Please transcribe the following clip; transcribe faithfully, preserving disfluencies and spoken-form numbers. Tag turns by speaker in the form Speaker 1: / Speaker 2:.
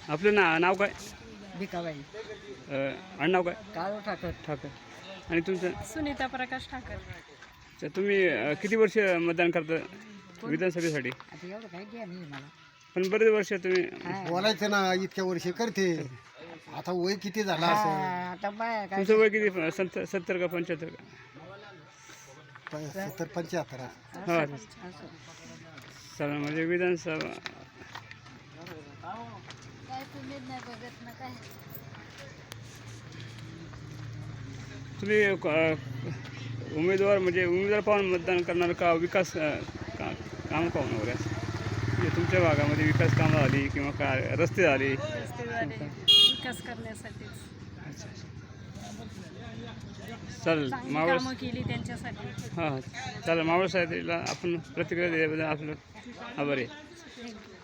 Speaker 1: आपलं ना नाव काय?
Speaker 2: भिकाबाई
Speaker 1: अ, आडनाव काय?
Speaker 2: काळू ठाकर.
Speaker 1: ठाकर. आणि तुमचं?
Speaker 3: सुनीता प्रकाश ठाकर.
Speaker 1: अच्छा, तुम्ही अ, किती वर्ष मतदान करता विधानसभेसाठी?
Speaker 2: आता एवढं काही द्या नाही मला.
Speaker 1: पण बरेच वर्ष तुम्ही
Speaker 2: हा.
Speaker 4: बोलायचं ना इतक्या वर्षी करते. आता वय किती झाला
Speaker 2: हा,
Speaker 4: असं
Speaker 2: आता बाया काय
Speaker 1: तुमचं वय किती? सत्तर सत्तर का पंच्याहत्तर का?
Speaker 4: प- सत्तर पंच्याहत्तर
Speaker 1: हा
Speaker 2: असं.
Speaker 1: चालेल. म्हणजे विधानसभा
Speaker 3: काय तुम्ही नाही बघत ना काय.
Speaker 1: तुम्ही अ, उमेदवार म्हणजे उमेदवार पाहून मतदान करणार का विकास अ, का काम पाहून वगैरे असं? म्हणजे तुमच्या भागामध्ये विकास कामं झाली किंवा काय रस्ते झाले?
Speaker 3: रस्ते झाले विकास करण्यासाठीच.
Speaker 1: चालेल.
Speaker 3: चांगली
Speaker 1: मावळ
Speaker 3: कामं केली त्यांच्यासाठी.
Speaker 1: हां चालेल. मावळ साहेबला आपण प्रतिक्रिया दिल्याबद्दल आपलं आभारी आहे.